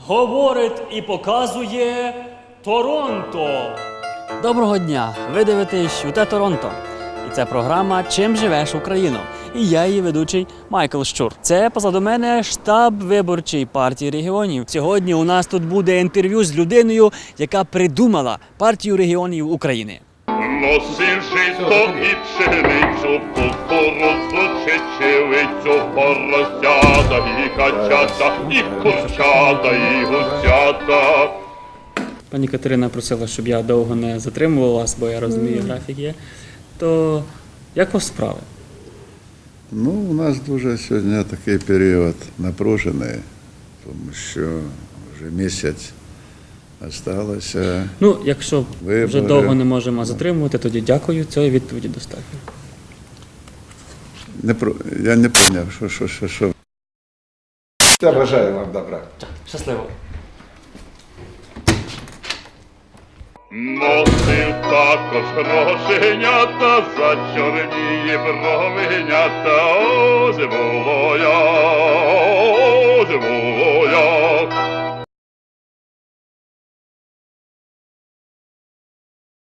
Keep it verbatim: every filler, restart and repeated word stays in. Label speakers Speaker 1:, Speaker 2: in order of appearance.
Speaker 1: говорить і показує Торонто.
Speaker 2: Доброго дня! Ви дивитесь «ЮТ Торонто». І це програма «Чим живеш, Україно?» І я її ведучий Майкл Щур. Це позаду мене штаб виборчої партії регіонів. Сьогодні у нас тут буде інтерв'ю з людиною, яка придумала партію регіонів України.
Speaker 3: Носив жито і пшеницю, кукурудзу, чечевицю, поросята і качата, і курчата, і гусята.
Speaker 1: Пані Катерина просила, щоб я довго не затримував вас, бо я розумію, графік є. То як у вас справи?
Speaker 4: Ну, у нас дуже сьогодні такий період напружений, тому що вже місяць залишилося.
Speaker 1: Ну, якщо
Speaker 4: Вибори.
Speaker 1: вже довго не можемо затримувати, тоді дякую, цієї відповіді достатньо.
Speaker 4: Не про... Я не поняв, що, що, що, що.
Speaker 5: Я бажаю вам добра.
Speaker 1: Щасливо.
Speaker 3: Носив також грошенята, за чорні бровенята, ось було я.